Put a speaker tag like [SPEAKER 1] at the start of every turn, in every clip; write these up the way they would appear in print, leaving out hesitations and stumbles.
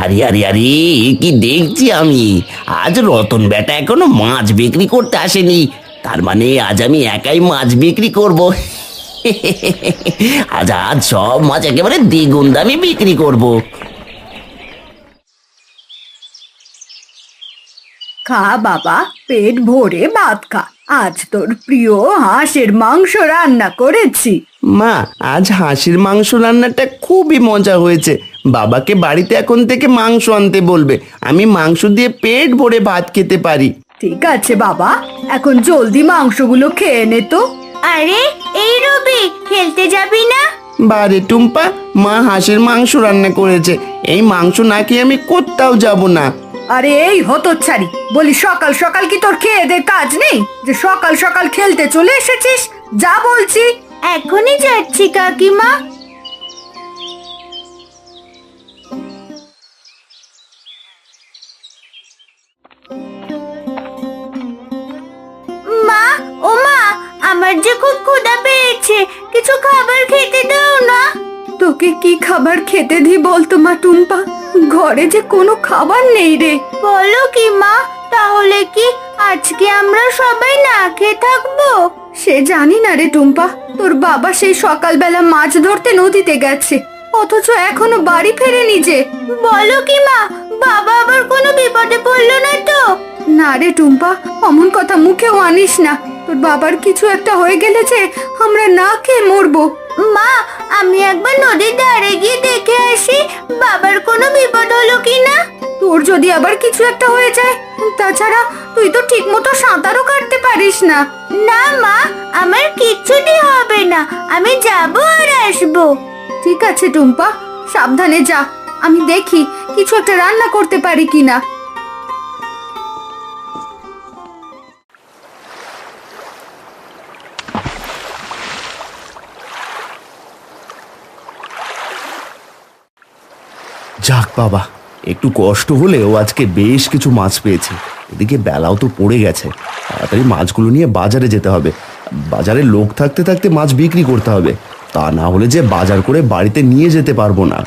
[SPEAKER 1] আরে আরে আরে, এ কি দেখছি আমি! আজ রতন বেটা এখনো মাছ বিক্রি করতে আসেনি। তার মানে আজ আমি একাই মাছ বিক্রি করব। আজ আজ সব মাছ একেবারে দ্বিগুণ দামে বিক্রি করব।
[SPEAKER 2] খা বাবা, পেট ভরে ভাত খা। আজ তোর প্রিয় হাঁসের মাংস রান্না করেছি।
[SPEAKER 3] মা, আজ হাঁসের মাংস রান্নাটা খুবই মজা হয়েছে। বাবাকে বাড়িতে এখন থেকে মাংস আনতে বলবে, আমি মাংস দিয়ে পেট ভরে ভাত খেতে পারি।
[SPEAKER 2] ঠিক আছে বাবা, এখন জলদি মাংসগুলো খেয়ে নে তো।
[SPEAKER 4] আরে এই রবি, খেলতে যাবি না?
[SPEAKER 3] বারে টুম্পা, মা হাঁসের মাংস রান্না করেছে, এই মাংস না খেয়ে আমি কোথাও যাব না।
[SPEAKER 2] আরে এই হতচ্ছাড়ি, বলি সকাল সকাল কি তোর খেয়ে দে কাজ নেই যে সকাল সকাল খেলতে চলে এসেছিস? যা বলছি।
[SPEAKER 4] এখনই যাচ্ছি কাকিমা। মা, ও মা, আমার যে খুব ক্ষুধা পেয়েছে, কিছু খাবার খেতে দাও না।
[SPEAKER 2] তোকে কি খাবার খেতে দি বলতো মা টুম্পা? ঘরে যে কোনো খাবার নেই রে।
[SPEAKER 4] বলো কি মা, তাহলে কি আজকে আমরা সবাই না খেয়ে থাকবো?
[SPEAKER 2] সে জানি না রে টুম্পা, তোর বাবা সেই সকালবেলা মাছ ধরতে নদীতে গেছে, অথচ এখনো বাড়ি ফেরেনি যে।
[SPEAKER 4] বলো কি মা, বাবা আবার কোনো বিপদে পড়লো না তো?
[SPEAKER 2] না রে টুম্পা, অমন কথা মুখেও আনিস না। তোর বাবার কিছু একটা হয়ে গেলে যে আমরা না খেয়ে মরবো।
[SPEAKER 4] মা, আমি একবার নদীর ধারে গিয়ে দেখে আসি বাবার কোনো বিপদ হলো কিনা।
[SPEAKER 2] তোর যদি আবার কিছু একটা হয়ে যায়, তাছাড়া তুই তো ঠিক মতো সাঁতারও কাটতে পারিস না।
[SPEAKER 4] না মা, আমার কিচ্ছুটি হবে না, আমি যাবো আর আসবো।
[SPEAKER 2] ঠিক আছে টুম্পা, সাবধানে যা। আমি দেখি কিছু একটা রান্না করতে পারি কিনা।
[SPEAKER 3] যাক বাবা, একটু কষ্ট হলেও আজকে বেশ কিছু মাছ পেয়েছি। এদিকে বেলাও তো পড়ে গেছে, তাড়াতাড়ি মাছগুলো নিয়ে বাজারে যেতে হবে। বাজারে লোক থাকতে থাকতে মাছ বিক্রি করতে হবে, তা না হলে যে বাজার করে বাড়িতে নিয়ে যেতে পারবো না।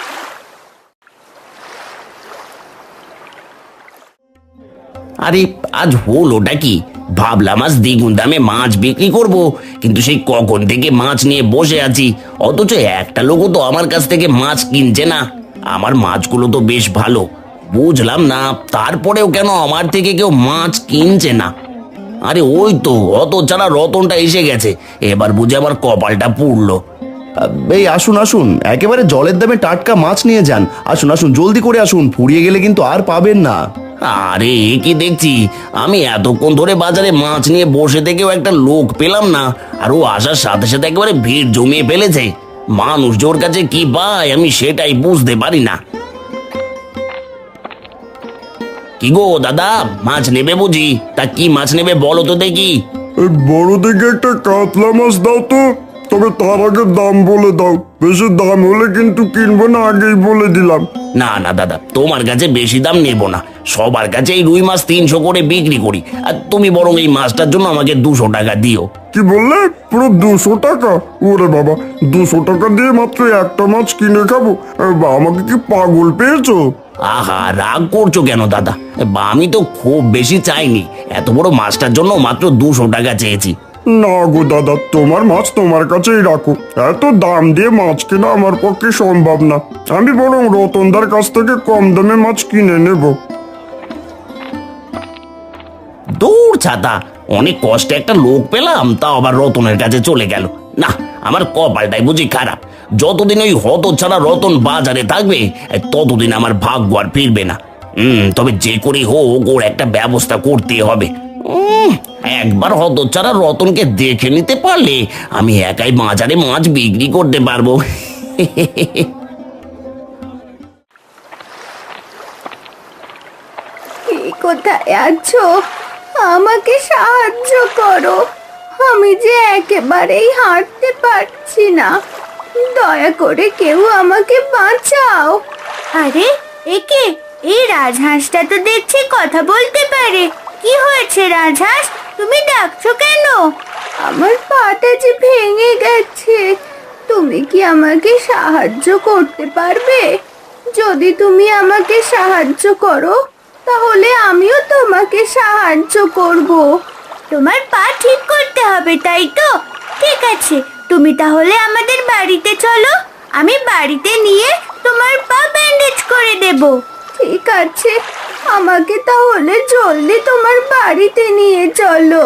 [SPEAKER 1] আরে আজ হলোটা কি? ভাবলাম আজ দ্বিগুণ দামে মাছ বিক্রি করব, কিন্তু সেই কখন থেকে মাছ নিয়ে বসে আছি, অথচ একটা লোকও তো আমার কাছ থেকে মাছ কিনছে না। আমার মাছগুলো তো বেশ ভালো, বুঝলাম না তারপরেও কেন আমার থেকে কেউ মাছ কিনছে না। আরে ওই তো অত ছাড়া রতনটা এসে গেছে, এবার বুঝে আমার কপালটা পুড়লো।
[SPEAKER 3] এই আসুন আসুন, একেবারে জলের দামে টাটকা মাছ নিয়ে যান। আসুন আসুন, জলদি করে আসুন, ফুরিয়ে গেলে কিন্তু আর পাবেন না।
[SPEAKER 1] আরে এ কি দেখছি, আমি এতক্ষণ ধরে বাজারে মাছ নিয়ে বসে থেকেও একটা লোক পেলাম না, আর ও আসার সাথে সাথে একেবারে ভিড় জমিয়ে ফেলেছে। মানুষ জোর কাছে কি পায় আমি সেটাই বুঝতে পারি না। কি গো দাদা, মাছ নেবে বুঝি? তা কি মাছ নেবে বলো তো দেখি।
[SPEAKER 5] এই বড় দেখে একটা কাতলা মাছ দাও তো, তবে তার আগে দাম বলে দাও। বেশি দাম হলে কিন্তু কিনবো না, আগেই বলে দিলাম।
[SPEAKER 1] না না দাদা, তোমার কাছে বেশি দাম নেব না, সবার কাছে এই রুই মাছ 300 করে বিক্রি করি, আর তুমি বরং এই মাছটার জন্য আমাকে 200 টাকা দিও।
[SPEAKER 5] কি বললে? পুরো 200 টাকা? ওরে বাবা, 200 টাকা দিয়ে মাত্র একটা মাছ কিনে খাবো? আমাকে কি পাগল পেয়েছো?
[SPEAKER 1] আহা, রাগ করছো কেন দাদা? বা আমি তো খুব বেশি চাইনি, এত বড় মাছটার জন্য মাত্র 200 টাকা চেয়েছি।
[SPEAKER 5] না গো দাদা, তোমার মাছ তোমার কাছেই রাখো। এত দাম দিয়ে মাছ কেনা আমার পক্ষে সম্ভব না। আমি বরং রতনদার কাছ থেকে কম দামে মাছ কিনে নেব।
[SPEAKER 1] দূর ছাতা, অনেক কষ্টে একটা লোক পেলাম, তাও আবার রতনের কাছে চলে গেল। না, আমার কপালটাই বুঝি খারাপ। যতদিন ওই হত ছাড়া রতন বাজারে থাকবে, ততদিন আমার ভাগ্য আর ফিরবে না। তবে যে করে হোক ওর একটা ব্যবস্থা করতে হবে। একবার হত ছাড়া রতনকে দেখে নিতে পারলে আমি একাই বাজারে মাছ বিক্রি করতে পারবো।
[SPEAKER 2] কোথায় আছো? আমাকে সাহায্য করো, আমি যে একেবারেই হাঁটতে পারছি না। দয়া করে কেউ আমাকে বাঁচাও।
[SPEAKER 4] আরে একে, এই রাজহাঁসটা তো দেখছি কথা বলতে পারে। কি হয়েছে রাজহাঁস, তুমি ডাকছো কেন?
[SPEAKER 2] আমার পাটা যে ভেঙে গেছে, তুমি কি আমাকে সাহায্য করতে পারবে?
[SPEAKER 4] যদি তুমি আমাকে সাহায্য করো তাহলে আমিও তোমাকে সাহায্য করব। তোমার পা ঠিক করতে হবে, তাই তো? ঠিক আছে, তুমি তাহলে আমাদের বাড়িতে চলো, আমি বাড়িতে নিয়ে তোমার পা ব্যান্ডেজ করে দেব। ঠিক আছে, আমাকে তাহলে জলদি তোমার বাড়িতে নিয়ে চলো।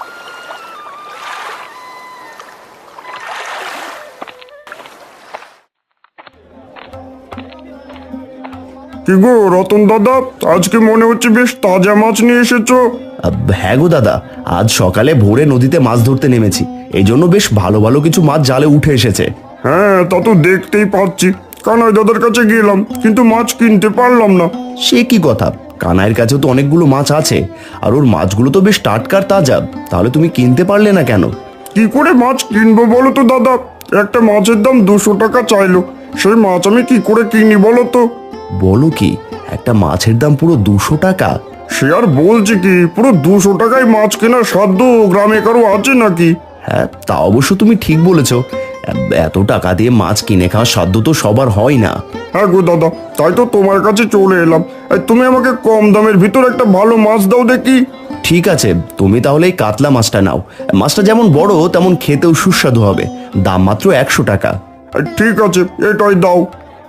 [SPEAKER 5] কি গো রতন দাদা, আজকে মনে হচ্ছে বেশ তাজা মাছ নিয়ে এসেছো।
[SPEAKER 3] হ্যাঁ গো দাদা, আজ সকালে ভোরে নদীতে মাছ ধরতে নেমেছি, এই জন্য বেশ ভালো ভালো কিছু মাছ জালে উঠে এসেছে।
[SPEAKER 5] হ্যাঁ, তা তো দেখতেই পাচ্ছি। কানাই দাদার কাছে গেলাম কিন্তু মাছ কিনতে পারলাম না।
[SPEAKER 3] সে কি কথা, কানাইয়ের কাছে তো অনেকগুলো মাছ আছে, আর ওর মাছগুলো তো বেশ টাটকার তাজা, তাহলে তুমি কিনতে পারলে না কেন?
[SPEAKER 5] কি করে মাছ কিনবো বলো তো দাদা? একটা মাছের দাম 200 টাকা চাইলো, সেই মাছ আমি কি করে কিনি বলো তো?
[SPEAKER 3] বলো কি, একটা মাছের দাম পুরো 200 টাকা?
[SPEAKER 5] সে আর বলছি কি, পুরো 200 টাকায় মাছ কেনার সাধ্য গ্রামে কারো আছে নাকি?
[SPEAKER 3] হ্যাঁ, তা অবশ্য তুমি ঠিক বলেছ, এত টাকা দিয়ে মাছ কিনে খাওয়ার সাধ্য তো সবার হয় না।
[SPEAKER 5] হ্যাঁ গো দাদা, তাই তো তোমার কাছে চলে এলাম। এই তুমি আমাকে কম দামের ভিতর একটা ভালো মাছ দাও দেখি।
[SPEAKER 3] ঠিক আছে, তুমি তাহলে এই কাতলা মাছটা নাও, মাছটা যেমন বড় তেমন খেতেও সুস্বাদু হবে, দাম মাত্র 100 টাকা।
[SPEAKER 5] ঠিক আছে, এটাই দাও।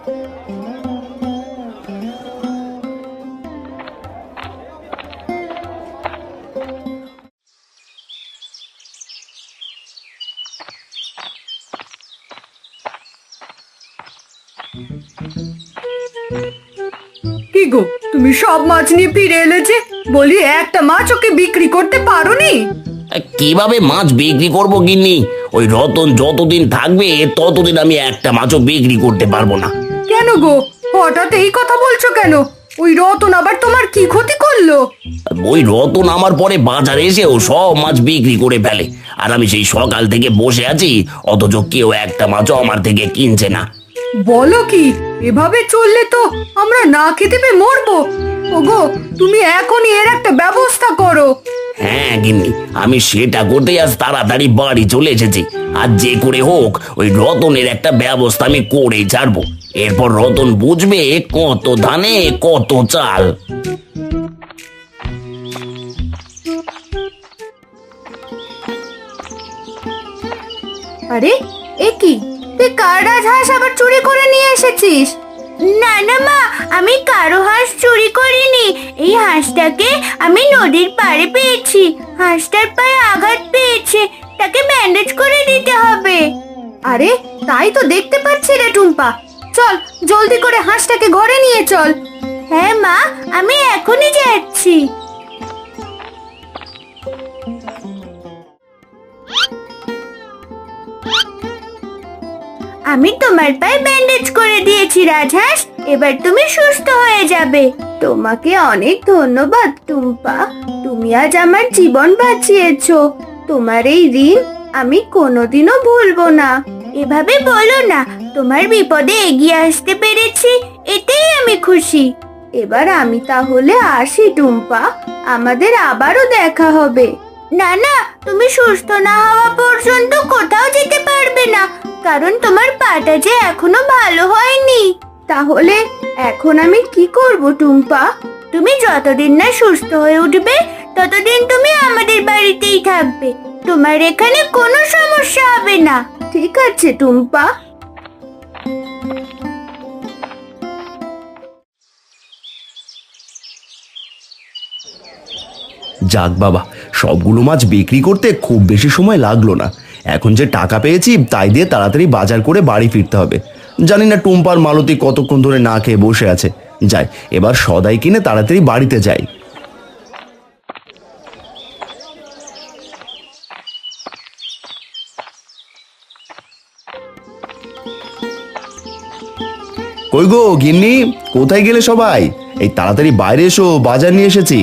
[SPEAKER 2] কি গো, তুমি সব মাছ নিয়ে ফিরে এলে যে? বলি একটা মাছ ওকে বিক্রি করতে পারোনি?
[SPEAKER 1] কিভাবে মাছ বিক্রি করব গিন্নি? ওই রতন যতদিন থাকবে ততদিন আমি একটা মাছও বিক্রি করতে পারবো না।
[SPEAKER 2] কেন গো, হঠাৎ এই কথা বলছো কেন? ওই রতন আবার তোমার কি ক্ষতি করলো?
[SPEAKER 1] ওই রতন আমার পরে বাজারে এসেও সব মাছ বিক্রি করে ফেলে, আর আমি সেই সকাল থেকে বসে আছি, অথচ কেউ একটা মাছও আমার থেকে কিনছে না।
[SPEAKER 2] বলো কি, এভাবে চললে তো আমরা না খেতে পেয়ে মরবো। ওগো, তুমি এখনই এর একটা ব্যবস্থা করো।
[SPEAKER 1] হ্যাঁ গিন্নি, আমি সেটা করতে আজ তাড়াতাড়ি বাড়ি চলে এসেছি। আর যে করে হোক ওই রতনের একটা ব্যবস্থা আমি করেই ছাড়বো। এরপর রতন বুঝবে কত ধানে কত চাল।
[SPEAKER 2] আরে, এ কি, তুই কার রাজহাঁস আবার চুরি করে নিয়ে এসেছিস?
[SPEAKER 4] না না মা, আমি কারো হাঁস চুরি করিনি। এই হাঁসটাকে আমি নদীর পাড়ে পেয়েছি। হাঁসটার পায়ে আঘাত পেয়েছে, তাকে ব্যান্ডেজ করে দিতে হবে।
[SPEAKER 2] আরে, তাই তো দেখতে পাচ্ছি রে টুম্পা। চল, জলদি করে হাঁসটাকে ঘরে নিয়ে চল।
[SPEAKER 4] হ্যাঁ মা, আমি এখনই যাচ্ছি। আমি তোমার পায়ে ব্যান্ডেজ করে দিয়েছি রাজহাঁস, এবার তুমি সুস্থ হয়ে যাবে। তোমাকে অনেক ধন্যবাদ টুম্পা, তুমি আজ আমার জীবন বাঁচিয়েছো। তোমার এই ঋণ আমি কোনোদিনও ভুলবো না। এভাবে বলো না, তোমার বিপদে এগিয়ে আসতে পেরেছি, এতেই আমি খুশি। এবার আমি তাহলে আসি টুম্পা, আমাদের আবারও দেখা হবে। না না, তুমি সুস্থ না হওয়া পর্যন্ত কোথাও যেতে পারবে না, কারণ তোমার পাটা যে এখনো ভালো হয়নি। তাহলে এখন আমি কি করব টুম্পা? তুমি যতদিন না সুস্থ হয়ে উঠবে ততদিন তুমি আমাদের বাড়িতেই থাকবে। তোমার এখানে কোনো সমস্যা হবে না। ঠিক আছে টুম্পা।
[SPEAKER 3] যাক বাবা, সবগুলো মাছ বিক্রি করতে খুব বেশি সময় লাগলো না। এখন যে টাকা পেয়েছি তাই দিয়ে তাড়াতাড়ি বাজার করে বাড়ি ফিরতে হবে। জানি না টুম্পার মালতী কতক্ষণ ধরে না খেয়ে বসে আছে। যাই, এবার সদাই কিনে তাড়াতাড়ি বাড়িতে যাই। কই গো গিন্নি, কোথায় গেলে সবাই? এই তাড়াতাড়ি বাইরে এসো, বাজার নিয়ে এসেছি।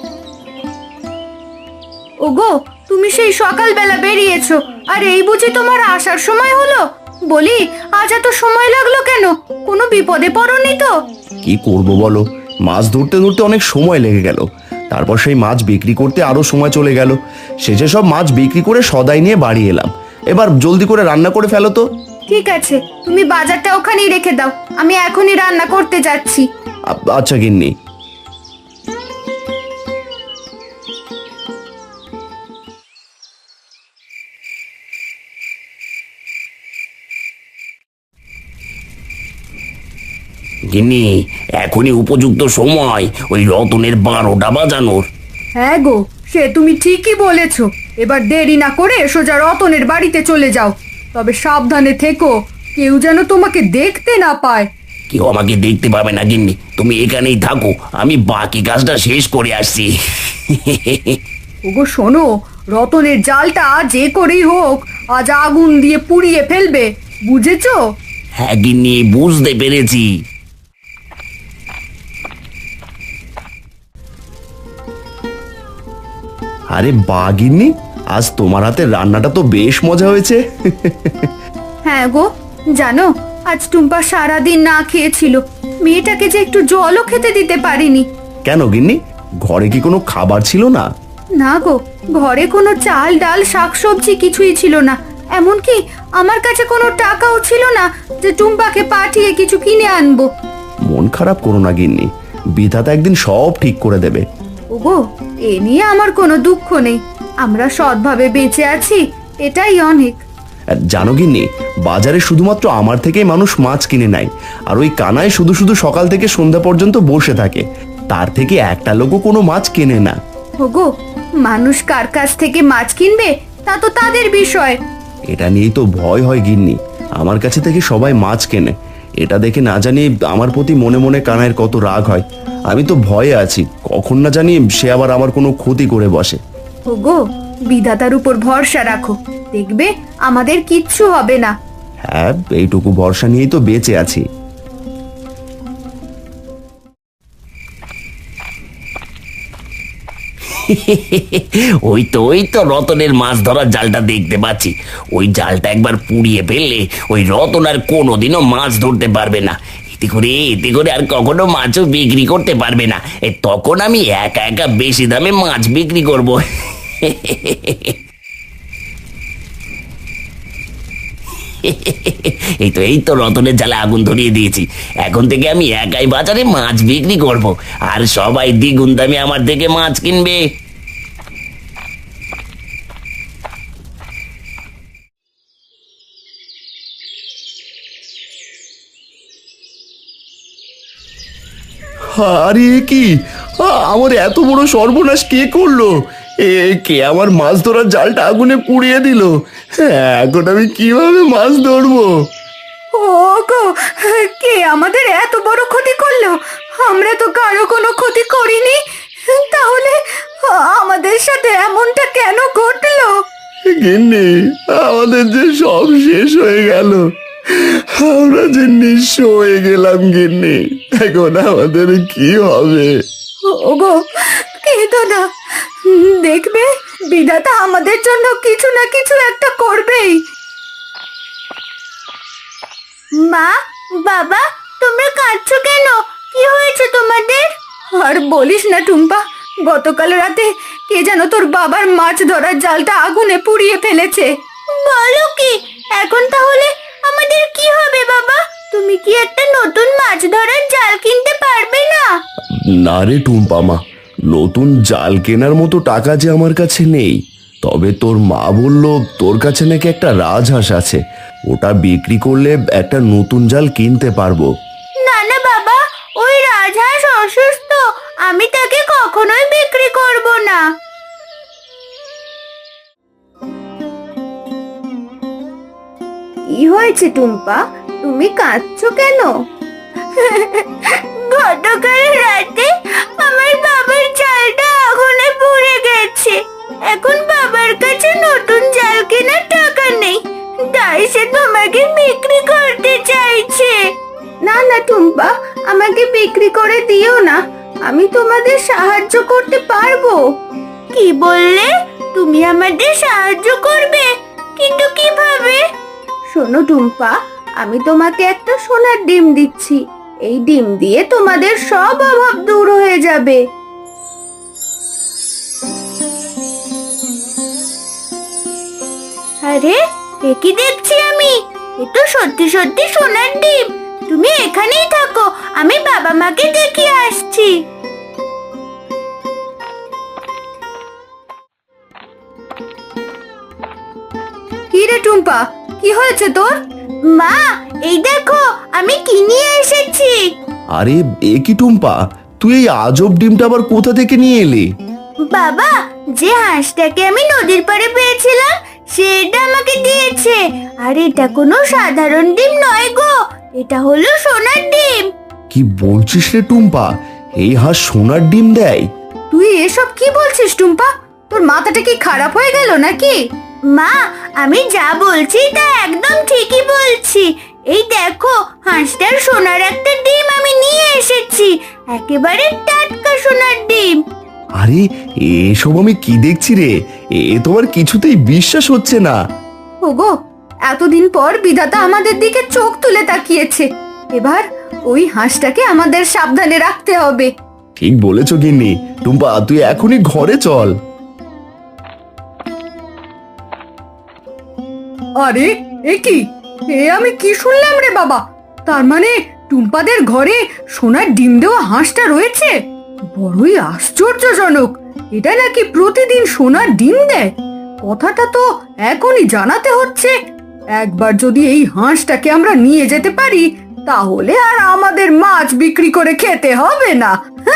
[SPEAKER 2] ওগো, তুমি সেই সকালবেলা বেরিয়েছো, আর এই বুঝি তোমার আসার সময় হলো? বলি, আজ এত সময় লাগলো কেন? কোনো বিপদে পড়োনি তো?
[SPEAKER 3] কি করব বলো, মাছ ধরতে ধরতে অনেক সময় লেগে গেল, তারপর সেই মাছ বিক্রি করতে আরো সময় চলে গেল। শেষে সব মাছ বিক্রি করে সদাই নিয়ে বাড়ি এলাম। এবার জলদি করে রান্না করে ফেলো তো।
[SPEAKER 2] ঠিক আছে, তুমি বাজারটা ওখানেই রেখে দাও, আমি এখনই রান্না করতে যাচ্ছি।
[SPEAKER 3] আচ্ছা গিন্নি।
[SPEAKER 1] গিন্নি, এখনই উপযুক্ত সময় ওই রতনের 12টা বাজানোর।
[SPEAKER 2] হ্যাঁ গো, সে তুমি ঠিকই বলেছো। এবার দেরি না করে সোজা রতনের বাড়িতে চলে যাও, তবে সাবধানে থেকো, কেউ যেন তোমাকে দেখতে না পায়।
[SPEAKER 1] কেউ আমাকে দেখতে পাবে না গিন্নি, তুমি এখানেই থাকো, আমি বাকি কাজটা শেষ করে আসছি।
[SPEAKER 2] ওগো শোনো, রতনের জালটা যে করেই হোক আজ আগুন দিয়ে পুড়িয়ে ফেলবে, বুঝেছো?
[SPEAKER 1] হ্যাঁ গিন্নি, বুঝতে পেরেছি।
[SPEAKER 3] আরে বা গিন্নি, আজ তোমার হাতের রান্নাটা তো বেশ মজা হয়েছে।
[SPEAKER 2] হ্যাঁ গো, জানো আজ টুম্পা সারাদিন না খেয়েছিল, মেয়েটাকে যে একটু জলও খেতে দিতে পারিনি।
[SPEAKER 3] কেন গিন্নি, ঘরে কি কোনো খাবার ছিল না?
[SPEAKER 2] না গো, ঘরে কোনো চাল ডাল শাকসবজি কিছুই ছিল না, এমনকি আমার কাছে কোনো টাকাও ছিল না যে টুম্পাকে পাঠিয়ে কিছু কিনে আনবো।
[SPEAKER 3] মন খারাপ করো না গিন্নি, বিধাতা একদিন সব ঠিক করে দেবে।
[SPEAKER 2] ওগো, এ নিয়ে আমার কোনো দুঃখ নেই, আমরা সৎভাবে বেঁচে আছি, এটাই অনেক।
[SPEAKER 3] আর জানো গিন্নি, বাজারে শুধুমাত্র আমার থেকেই মানুষ মাছ কিনে নেয়, আর ওই কানায় শুধু শুধু সকাল থেকে সন্ধ্যা পর্যন্ত বসে থাকে, তার থেকে একটা লোকও কোনো মাছ কেনে না।
[SPEAKER 2] ওগো, মানুষ কার কাছ থেকে মাছ কিনবে তা তো তাদের বিষয়।
[SPEAKER 3] এটা নিয়েই তো ভয় হয় গিন্নি, আমার কাছে থেকে সবাই মাছ কেনে, এটা দেখে না জানি আমার প্রতি মনে মনে কানাইয়ের কত রাগ হয়। আমি তো ভয়ে আছি, কখন না জানি সে আবার আমার কোনো ক্ষতি করে বসে।
[SPEAKER 2] ওগো, বিধাতার উপর ভরসা রাখো, দেখবে আমাদের কিচ্ছু হবে না।
[SPEAKER 3] হ্যাঁ, এইটুকু ভরসা নিয়েই তো বেঁচে আছি।
[SPEAKER 1] ওই তো রতনের মাছ ধরার জালটা দেখতে পাচ্ছি। ওই জালটা একবার পুড়িয়ে ফেললে ওই রতন আর কোনোদিনও মাছ ধরতে পারবে না। এতে করে আর কখনো মাছও বিক্রি করতে পারবে না। তখন আমি একা একা বেশি দামে মাছ বিক্রি করব। এই তো রতনের জালে আগুন ধরিয়ে দিয়েছি। এখন থেকে আমি একাই বাজারে মাছ বিক্রি করব, আর সবাই দ্বিগুণ দামে আমার থেকে মাছ কিনবে।
[SPEAKER 3] আরে এ কি, আমার এত বড় সর্বনাশ কে করলো? কে আমার মাছ ধরার জালটা আগুনে পুড়িয়ে দিল? এখন আমি কিভাবে মাছ ধরবো?
[SPEAKER 2] ওগো, কে আমাদের এত বড় ক্ষতি করলো? আমরা তো কারো কোনো ক্ষতি করিনি, তাহলে আমাদের সাথে এমনটা কেন ঘটলো?
[SPEAKER 3] গিন্নি, আমাদের যে সব শেষ হয়ে গেল, আমরা যে নিঃস্ব হয়ে গেলাম গিন্নি, এখন আমাদের কি হবে?
[SPEAKER 2] ওগো, কেঁদো না, দেখবে বিধাতা আমাদের জন্য কিছু না কিছু একটা করবেই।
[SPEAKER 4] মা, বাবা, তোমরা কাঁদছো কেন? কি হয়েছে তোমাদের?
[SPEAKER 2] আর বলিস না টুম্পা, গতকাল রাতে কে যেন তোর বাবার মাছ ধরার জালটা আগুনে পুড়িয়ে ফেলেছে।
[SPEAKER 4] বলো কি? এখন তাহলে আমাদের কি হবে বাবা? তুমি কি একটা নতুন মাছ ধরার জাল কিনতে পারবে না?
[SPEAKER 3] না রে টুম্পা মা, নতুন জাল কেনার মতো টাকা যে আমার কাছে নেই। তবে তোর মা বলল তোর কাছে নাকি একটা রাজহাঁস আছে, ওটা বিক্রি করলে একটা নতুন জাল কিনতে পারবো।
[SPEAKER 4] না না বাবা, ওই রাজহাঁস অসুস্থ, আমি তাকে কখনোই বিক্রি করব না। কি হয়েছে টুম্পা, তুমি কাঁদছো কেন? গতকাল রাতে আমার বাবার জালটা আগুনে পুড়ে গেছে, এখন বাবার কাছে নতুন জাল কেনার টাকা নেই, তাই সে তোমাকে বিক্রি করতে চাইছে। না না টুম্পা, আমাকে বিক্রি করে দিও না, আমি তোমাদের সাহায্য করতে পারবো। কি বললে? তুমি আমাদের সাহায্য করবে? কিন্তু কিভাবে? শোনো টুম্পা, আমি তোমাকে একটা সোনার ডিম দিচ্ছি, এই ডিম দিয়ে তোমাদের সব অভাব দূর হয়ে যাবে। আরে, এ কি দেখছি আমি? এ তো সত্যি সত্যি সোনার ডিম। তুমি এখানেই থাকো, আমি বাবা মাকে দেখিয়ে আসছি।
[SPEAKER 2] কি রে টুম্পা, কি হয়েছে তোর?
[SPEAKER 4] মা, এই দেখো আমি কি নিয়ে এসেছি।
[SPEAKER 3] আরে এ কি টুম্পা, তুই এই আজব ডিমটা আবার কোথা থেকে নিয়ে এলি?
[SPEAKER 4] বাবা, যে হাঁসটাকে আমি নদীর পাড়ে পেয়েছিলাম সেটা আমাকে দিয়েছে। আর এটা কোনো সাধারণ ডিম নয় গো, এটা হলো সোনার ডিম।
[SPEAKER 3] কি বলছিস রে টুম্পা, এই হাঁস সোনার ডিম দেয়?
[SPEAKER 2] তুই এসব কি বলছিস টুম্পা? তোর মাথাটা কি খারাপ হয়ে গেল নাকি?
[SPEAKER 4] মা, আমি যা বলছি তা একদম ঠিকই বলছি। এই দেখো, হাঁসটার সোনার একটা ডিম আমি নিয়ে এসেছি, একেবারে টাটকা সোনার ডিম।
[SPEAKER 3] আরে এসব আমি কি দেখছি রে, এ তোমার কিছুতেই বিশ্বাস হচ্ছে না।
[SPEAKER 2] ওগো, এতদিন পর বিধাতা আমাদের দিকে চোখ তুলে তাকিয়েছে। এবার ওই হাঁসটাকে আমাদের সাবধানে রাখতে হবে।
[SPEAKER 3] ঠিক বলেছ গিন্নি। টুম্পা, তুই এখনই ঘরে চল।
[SPEAKER 2] আরে এ কি, এ আমি কি শুনলাম রে বাবা? তার মানে টুম্পাদের ঘরে সোনার ডিম দেওয়া হাঁসটা রয়েছে? বড়ই আশ্চর্যজনক। এটা নাকি প্রতিদিন সোনার ডিম দেয়? কথাটা তো এখনই জানাতে হচ্ছে। একবার যদি এই হাঁসটাকে আমরা নিয়ে যেতে পারি, তাহলে আর আমাদের মাছ বিক্রি করে খেতে হবে না।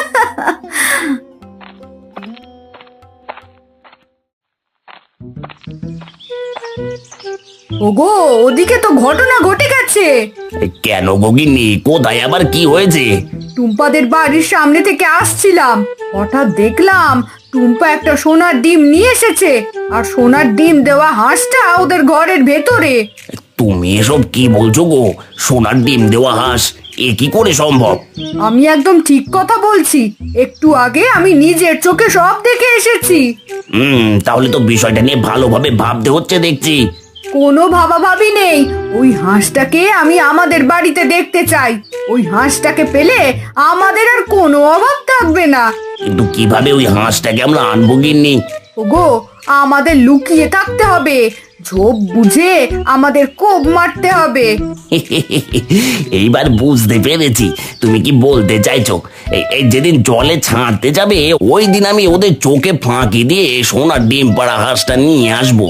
[SPEAKER 2] ওগো, ওদিকে তো ঘটনা ঘটে গেছে।
[SPEAKER 1] কেন গগিনি, কোথায় আবার কি হয়েছে?
[SPEAKER 2] টুম্পাদের বাড়ির সামনে থেকে আসছিলাম, হঠাৎ দেখলাম টুম্পা একটা সোনার ডিম নিয়ে এসেছে, আর সোনার ডিম দেওয়া হাঁসটা ওদের ঘরের ভেতরে।
[SPEAKER 1] তুমি এসব কি বলছো গো? সোনার ডিম দেওয়া হাঁস, এ কি করে সম্ভব?
[SPEAKER 2] আমি একদম ঠিক কথা বলছি, একটু আগে আমি নিজের চোখে সব দেখে এসেছি।
[SPEAKER 1] তাহলে তো বিষয়টা নিয়ে ভালোভাবে ভাবতে হচ্ছে দেখছি।
[SPEAKER 2] কোনো ভাবাভাবি নেই, ওই হাঁসটাকে আমি আমাদের বাড়িতে দেখতে চাই। ওই হাঁসটাকে পেলে আমাদের আর কোনো অভাব থাকবে না।
[SPEAKER 1] কিন্তু কিভাবে ওই হাঁসটাকে আমরা আনবো গিন্নি?
[SPEAKER 2] ওগো, আমাদের লুকিয়ে থাকতে হবে, ঝোপ বুঝে আমাদের কোপ মারতে হবে।
[SPEAKER 1] এইবার বুঝতে পেরেছি তুমি কি বলতে চাইছো। এই যেদিন জলে ছাড়তে যাবে, ওই দিন আমি ওদের চোখে ফাঁকি দিয়ে সোনার ডিম পাড়া হাঁসটা নিয়ে আসবো।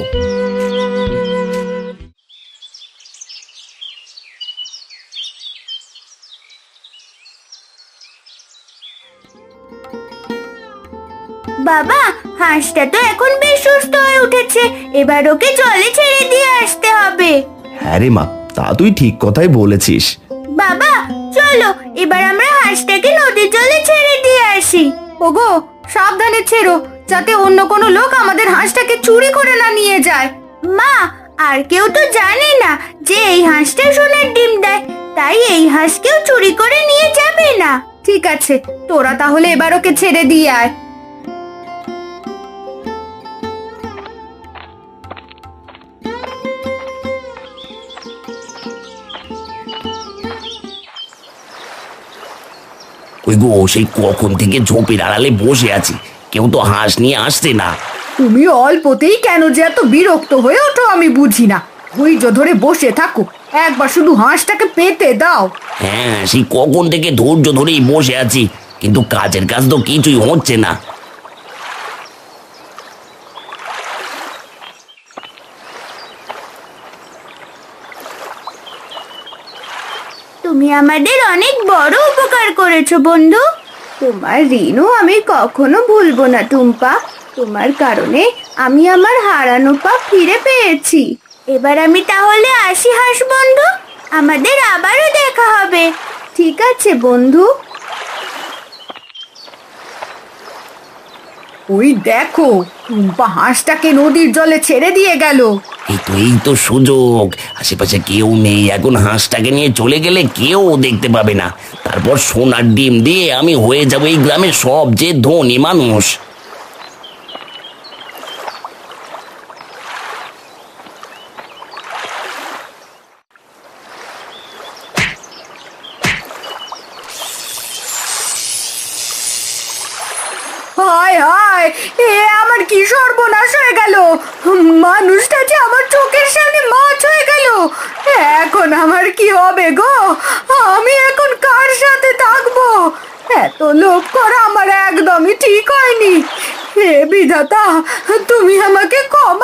[SPEAKER 4] বাবা, হাঁসটা তো এখন বেশ সুস্থ হয়ে উঠেছে, এবার ওকে জলে ছেড়ে দিয়ে আসতে হবে।
[SPEAKER 3] হ্যাঁ রে মা, তা তুই ঠিক কথাই বলেছিস।
[SPEAKER 4] বাবা, চলো এবার আমরা হাঁসটাকে নদীর জলে ছেড়ে দিয়ে আসি।
[SPEAKER 2] ওগো, সাবধানে ছেড়ো, যাতে অন্য কোনো লোক আমাদের হাঁসটাকে চুরি করে না নিয়ে যায়।
[SPEAKER 4] মা, আর কেউ তো জানে না যে এই হাঁসটা সোনার ডিম দেয়, তাই এই হাঁস কেউ চুরি করে নিয়ে যাবে না।
[SPEAKER 2] ঠিক আছে, তোরা তাহলে এবার ওকে ছেড়ে দিয়ে আয়।
[SPEAKER 1] ওই গো, সেই কখন থেকে ঝোপের আড়ালে বসে আছি, কেউ তো হাঁস নিয়ে আসছে না।
[SPEAKER 2] তুমি অল্পতেই কেন যে এত বিরক্ত হয়ে ওঠো আমি বুঝি না। ধৈর্য ধরে বসে থাকো, একবার শুধু হাঁসটাকে পেতে দাও।
[SPEAKER 1] হ্যাঁ, সেই কখন থেকে ধৈর্য ধরেই বসে আছি, কিন্তু কাজের কাজ তো কিছুই হচ্ছে না।
[SPEAKER 4] তুমি আমাদের অনেক বড় উপকার করেছো বন্ধু। তোমার ঋণও আমি কখনো ভুলবো না টুম্পা। তোমার কারণে আমি আমার হারানো পা ফিরে পেয়েছি। এবার আমি তাহলে আসি হাঁস বন্ধু, আমাদের আবারও দেখা হবে। ঠিক আছে বন্ধু।
[SPEAKER 2] ওই দেখো, টুম্পা হাঁসটাকে নদীর জলে ছেড়ে দিয়ে গেল।
[SPEAKER 1] এই তো সুযোগ, আশেপাশে কেউ নেই, এখন হাঁসটাকে নিয়ে চলে গেলে কেউ দেখতে পাবে না। তারপর সোনার ডিম দিয়ে আমি হয়ে যাবো এই গ্রামের সবচেয়ে ধনী মানুষ।
[SPEAKER 2] হায় হায়, এ আমার কি সর্বনাশ হয়ে গেল! মানুষটা যে আমার চোখের সামনে মাছ হয়ে গেল। এক আমার কি হবে গো? আমি এখন কার সাথে থাকবো? এত লোভ করা আমার একদমই ঠিক হয়নি। হে বিধাতা, তুমি আমাকে ক্ষমা